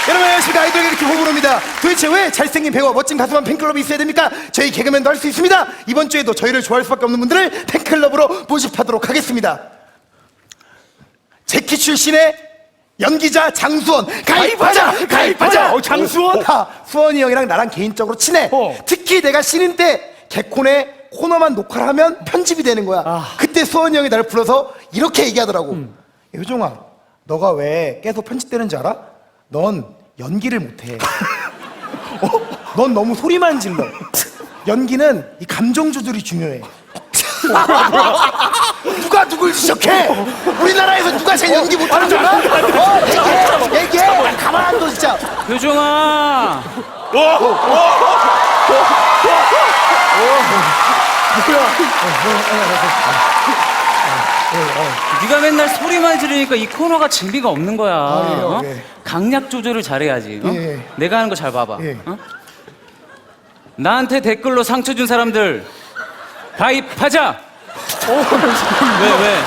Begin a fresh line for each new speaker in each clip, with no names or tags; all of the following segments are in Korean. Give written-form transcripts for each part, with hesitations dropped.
여러분 안녕하십니까. 아이돌 개그팀 호불호입니다. 도대체 왜 잘생긴 배우와 멋진 가수만 팬클럽이 있어야 됩니까? 저희 개그맨도 할 수 있습니다. 이번 주에도 저희를 좋아할 수밖에 없는 분들을 팬클럽으로 모집하도록 하겠습니다. 재키 출신의 연기자 장수원 가입하자! 가입하자!
장수원?
수원이 형이랑 나랑 개인적으로 친해. 특히 내가 신인 때 개콘의 코너만 녹화를 하면 편집이 되는 거야. 그때 수원이 형이 나를 불러서 이렇게 얘기하더라고. 효종아, 너가 왜 계속 편집되는지 알아? 넌 연기를 못해. 넌 너무 소리만 질러. 연기는 이 감정 조절이 중요해. 누가 누굴 지적해? 우리나라에서 누가 제일 연기 못하는 줄 알아? 얘기해. 가만 안 둬 진짜.
효종아. 네가 맨날 소리만 지르니까 이 코너가 재미가 없는 거야.
예.
강약 조절을 잘해야지.
예.
내가 하는 거 잘 봐봐.
예.
나한테 댓글로 상처 준 사람들 가입하자. 왜?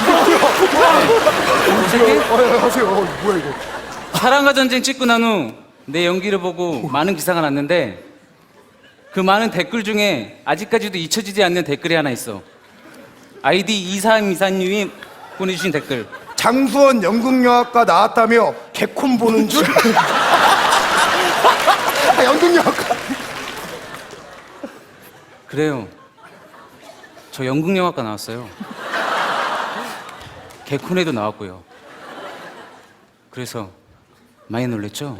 어색해?
하세요. 뭐야 이거?
사랑과 전쟁 찍고 난 후 내 연기를 보고 많은 기사가 났는데 그 많은 댓글 중에 아직까지도 잊혀지지 않는 댓글이 하나 있어. 아이디 2324님이 보내주신 댓글.
장수원 연극영화과 나왔다며 개콘 보는 줄? 연극영화과.
그래요. 저 연극영화과 나왔어요. 개콘에도 나왔고요. 그래서 많이 놀랬죠?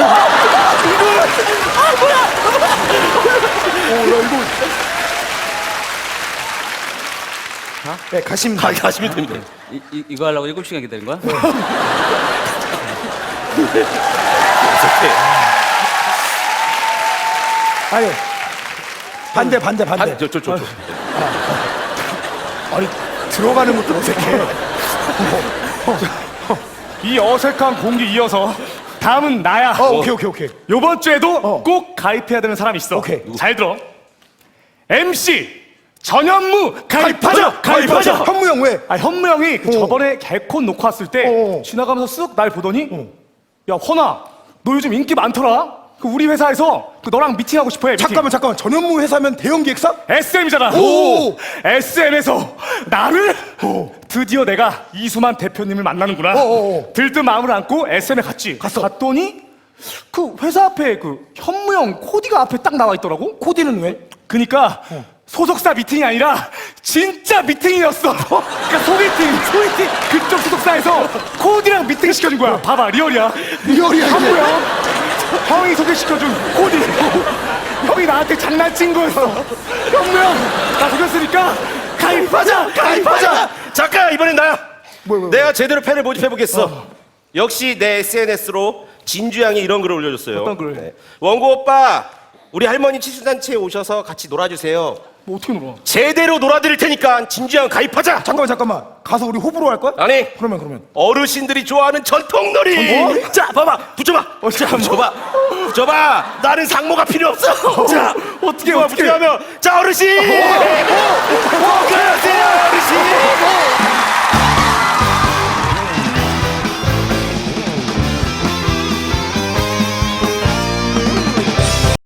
네, 가시면
됩니다.
이거 하려고 7시간 기다린 거야?
아니 반대.
저.
아니 들어가는 것도 어색해.
이 어색한 공기 이어서 다음은 나야.
오케이.
요번 주에도 꼭 가입해야 되는 사람이 있어.
오케이.
잘 들어. MC 전현무 가입하자.
현무형 왜?
현무 형이 저번에 개콘 녹화 왔을 때 지나가면서 쓱 날 보더니 야 헌아, 너 요즘 인기 많더라. 그 우리 회사에서 그 너랑 미팅하고 싶어 해. 미팅.
잠깐만. 전현무 회사면 대형 기획사?
SM이잖아.
오.
SM에서 나를 드디어 내가 이수만 대표님을 만나는구나. 들뜬 마음을 안고 SM에 갔더니 그 회사 앞에 그 현무형 코디가 앞에 딱 나와 있더라고.
코디는 왜?
그니까 소속사 미팅이 아니라 진짜 미팅이었어. 그러니까 소개팅 그쪽 소속사에서 코디랑 미팅 시켜준 거야. 봐봐, 리얼이야. 현무형 형이 소개시켜준 코디. 형이 나한테 장난친 거였어. 현무형 나 속였으니까 가입하자.
잠깐, 이번엔 나야.
뭐야?
내가 제대로 팬을 모집해보겠어. 역시 내 SNS로 진주양이 이런 글을 올려줬어요.
어떤 글?
원고 오빠, 우리 할머니 칠순잔치에 오셔서 같이 놀아주세요.
뭐 어떻게 놀아?
제대로 놀아드릴 테니까 진주양 가입하자.
잠깐만. 가서 우리 호불호 할 거야?
아니,
그러면.
어르신들이 좋아하는 전통놀이. 자, 봐봐, 붙여봐. 붙여봐. 나는 상모가 필요 없어. 자, 어떻게 하면? 자, 어르신. 그러세요, 어르신.